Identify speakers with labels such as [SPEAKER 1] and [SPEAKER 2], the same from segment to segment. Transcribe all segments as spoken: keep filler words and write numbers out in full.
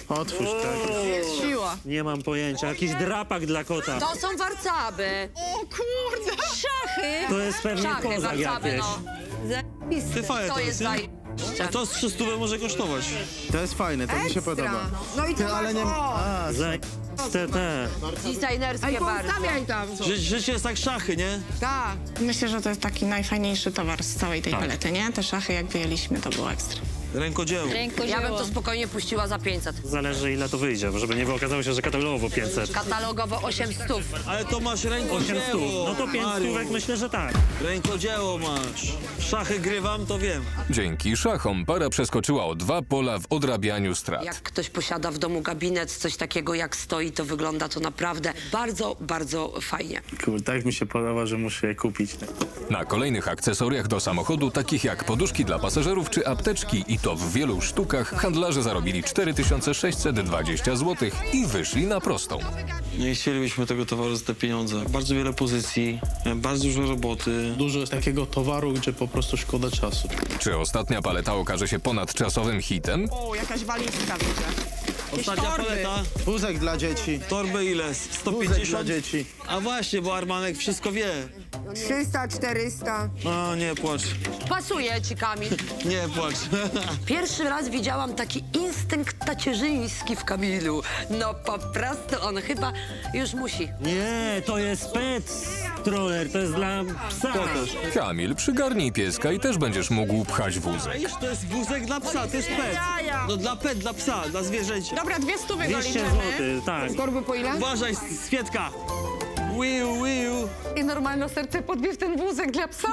[SPEAKER 1] Otwórz, tak.
[SPEAKER 2] Jest siła.
[SPEAKER 3] Nie mam pojęcia. Jakiś drapak dla kota.
[SPEAKER 4] To są warcaby.
[SPEAKER 2] O kurde!
[SPEAKER 4] Szachy.
[SPEAKER 3] To jest pewnie
[SPEAKER 4] Szachy,
[SPEAKER 3] kozak
[SPEAKER 4] warcaby,
[SPEAKER 3] jakieś.
[SPEAKER 4] no.
[SPEAKER 5] Ty fajne
[SPEAKER 4] To
[SPEAKER 5] to
[SPEAKER 4] jest
[SPEAKER 5] jest, nie?
[SPEAKER 4] zajebiście.
[SPEAKER 5] A to z trzy stówy może kosztować.
[SPEAKER 1] To jest fajne, to mi się podoba.
[SPEAKER 2] No i
[SPEAKER 1] Ty,
[SPEAKER 2] to
[SPEAKER 1] ale nie... A,
[SPEAKER 3] Zajebiste te.
[SPEAKER 4] Designerskie bardzo.
[SPEAKER 2] Stawiaj tam.
[SPEAKER 5] Ży życie jest jak szachy, nie?
[SPEAKER 2] Tak.
[SPEAKER 6] Myślę, że to jest taki najfajniejszy towar z całej tej
[SPEAKER 3] Tak.
[SPEAKER 6] palety, nie? Te szachy, jak wyjęliśmy, to było ekstra.
[SPEAKER 5] Rękodzieło.
[SPEAKER 4] Ja bym to spokojnie puściła za pięćset.
[SPEAKER 3] Zależy ile to wyjdzie, żeby nie okazało się, że katalogowo pięćset.
[SPEAKER 4] Katalogowo osiem stów.
[SPEAKER 5] Ale to masz
[SPEAKER 3] osiem
[SPEAKER 5] rękodzieło.
[SPEAKER 3] stów. No to pięć
[SPEAKER 5] Mariusz.
[SPEAKER 3] stówek myślę, że tak.
[SPEAKER 5] Rękodzieło masz. Szachy grywam, to wiem.
[SPEAKER 7] Dzięki szachom para przeskoczyła o dwa pola w odrabianiu strat.
[SPEAKER 4] Jak ktoś posiada w domu gabinet, coś takiego jak stoi, to wygląda to naprawdę bardzo, bardzo fajnie.
[SPEAKER 1] kurde, tak mi się podoba, że muszę je kupić.
[SPEAKER 7] Na kolejnych akcesoriach do samochodu, takich jak poduszki dla pasażerów czy apteczki, i to w wielu sztukach, handlarze zarobili cztery tysiące sześćset dwadzieścia złotych i wyszli na prostą.
[SPEAKER 5] Nie chcielibyśmy tego towaru za te pieniądze. Bardzo wiele pozycji, bardzo dużo roboty.
[SPEAKER 1] Dużo jest takiego towaru, gdzie po prostu szkoda czasu.
[SPEAKER 7] Czy ostatnia paleta okaże się ponadczasowym hitem?
[SPEAKER 2] O, jakaś walizka widzę.
[SPEAKER 5] Ostatnia
[SPEAKER 2] torby.
[SPEAKER 5] paleta.
[SPEAKER 1] Wózek dla dzieci.
[SPEAKER 5] Torbę ile? sto
[SPEAKER 1] Wózek dla
[SPEAKER 5] pięćdziesiąt?
[SPEAKER 1] dzieci.
[SPEAKER 5] A właśnie, bo Armanek wszystko wie.
[SPEAKER 2] trzysta, czterysta.
[SPEAKER 5] No, nie płacz.
[SPEAKER 4] Pasuje ci, Kamil.
[SPEAKER 5] Nie płacz.
[SPEAKER 4] Pierwszy raz widziałam taki instynkt tacierzyński w Kamilu. No po prostu on chyba już musi.
[SPEAKER 3] Nie, to jest pet stroller, to jest dla psa.
[SPEAKER 7] Kamil, przygarnij pieska i też będziesz mógł pchać wózek.
[SPEAKER 5] Wiesz, to jest wózek dla psa, to jest pet. No dla pet, dla psa, dla zwierzęcia.
[SPEAKER 2] Dobra, dwie stówy
[SPEAKER 3] dwieście
[SPEAKER 2] doliczymy.
[SPEAKER 3] złotych, tak.
[SPEAKER 2] Torby po ile?
[SPEAKER 5] Uważaj, Swietka. Wiu, wiu.
[SPEAKER 8] I normalne serce podbije w ten wózek dla psa.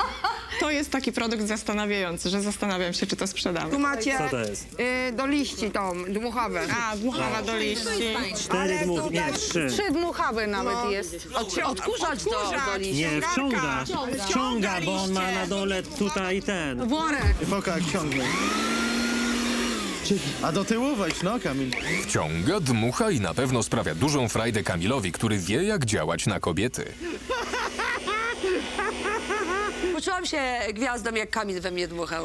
[SPEAKER 6] To jest taki produkt zastanawiający, że zastanawiam się, czy to sprzedamy.
[SPEAKER 2] Tu macie
[SPEAKER 3] Co to jest?
[SPEAKER 2] y, do liści tą, dmuchawę.
[SPEAKER 6] A, dmuchawa do liści.
[SPEAKER 3] Cztery
[SPEAKER 2] Ale
[SPEAKER 3] dmuch, nie,
[SPEAKER 2] tutaj
[SPEAKER 3] trzy.
[SPEAKER 8] Trzy dmuchawy nawet
[SPEAKER 2] No.
[SPEAKER 8] jest.
[SPEAKER 4] Od, odkurzacz do, do liści.
[SPEAKER 3] Nie, wciąga. Wciąga, bo on ma na dole tutaj ten.
[SPEAKER 8] Worek.
[SPEAKER 1] Foka jak ciągnie. A do tyłu wejdź, no Kamil.
[SPEAKER 7] Wciąga, dmucha i na pewno sprawia dużą frajdę Kamilowi, który wie, jak działać na kobiety.
[SPEAKER 4] Poczułam się gwiazdą, jak Kamil we mnie dmuchał.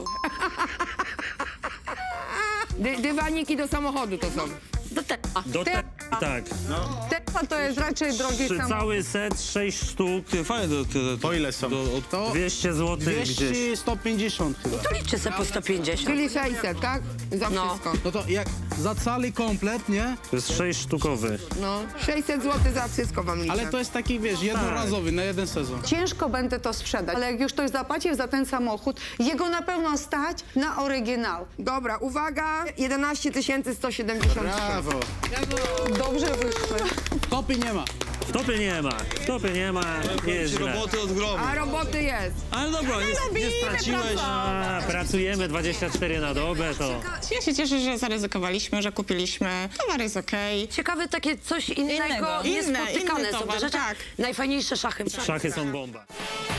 [SPEAKER 2] Dy, dywaniki do samochodu to są.
[SPEAKER 4] Do tego.
[SPEAKER 3] Do te, tak.
[SPEAKER 8] Tesla to jest raczej drogi
[SPEAKER 3] Trzy,
[SPEAKER 8] samochód.
[SPEAKER 3] cały set, sześć sztuk,
[SPEAKER 5] Ty, fajne to, to, to,
[SPEAKER 1] Po ile są?
[SPEAKER 5] Do, od...
[SPEAKER 1] To
[SPEAKER 3] dwieście złotych gdzieś.
[SPEAKER 1] dwieście, sto pięćdziesiąt chyba.
[SPEAKER 4] To liczę se po sto pięćdziesiąt.
[SPEAKER 2] Czyli sześćset, tak? Za
[SPEAKER 4] No.
[SPEAKER 2] wszystko.
[SPEAKER 9] No to jak za cały komplet, nie?
[SPEAKER 3] To jest sześć sztukowy.
[SPEAKER 2] No. sześćset złotych za wszystko wam liczę.
[SPEAKER 9] Ale to jest taki, wiesz, jednorazowy na jeden sezon.
[SPEAKER 8] Ciężko będę to sprzedać, ale jak już ktoś zapłaci za ten samochód, jego na pewno stać na oryginał.
[SPEAKER 2] Dobra, uwaga, jedenaście tysięcy sto siedemdziesiąt trzy.
[SPEAKER 1] Brawo.
[SPEAKER 8] Dobrze wyszły.
[SPEAKER 9] Topy nie ma.
[SPEAKER 3] Topy nie ma, topy nie ma, nie jest źle.
[SPEAKER 5] roboty od gromu.
[SPEAKER 2] A roboty jest.
[SPEAKER 5] Ale dobra, nie, nie straciłeś.
[SPEAKER 3] A, pracujemy dwadzieścia cztery na dobę, to...
[SPEAKER 6] Ja się cieszę, że zaryzykowaliśmy, że kupiliśmy. Towar jest okej.
[SPEAKER 4] Ciekawe takie coś innego,
[SPEAKER 6] Innego. Inne,
[SPEAKER 4] niespotykane
[SPEAKER 6] inny
[SPEAKER 4] są te
[SPEAKER 6] towar,
[SPEAKER 4] rzeczy.
[SPEAKER 6] tak.
[SPEAKER 4] Najfajniejsze szachy.
[SPEAKER 3] Szachy są bomba.